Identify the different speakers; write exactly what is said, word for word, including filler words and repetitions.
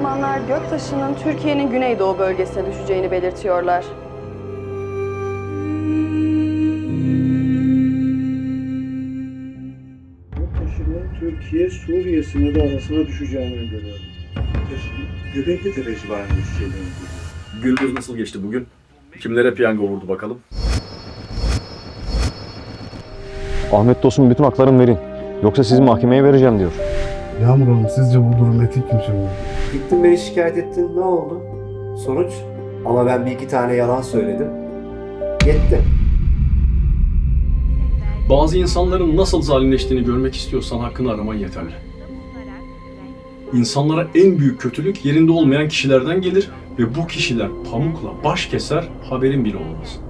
Speaker 1: uzmanlar göktaşının Türkiye'nin güneydoğu bölgesine düşeceğini belirtiyorlar.
Speaker 2: Göktaşının Türkiye-Suriye sınırı arasına düşeceğini öngörüyorum.
Speaker 3: Göbekli Tepe civarında düşeceğini
Speaker 4: Gündüz nasıl geçti bugün? Kimlere piyango vurdu bakalım?
Speaker 5: Ahmet dostum bütün haklarımı verin. Yoksa sizi mahkemeye vereceğim diyor.
Speaker 2: Yağmur Hanım sizce bu durum etik mi şimdi?
Speaker 6: Gittin beni şikayet ettin, ne oldu? Sonuç? Ama ben bir iki tane yalan söyledim. Yetti.
Speaker 4: Bazı insanların nasıl zalimleştiğini görmek istiyorsan hakkını araman yeterli. İnsanlara en büyük kötülük yerinde olmayan kişilerden gelir ve bu kişiler pamukla baş keser, haberin bile olmaz.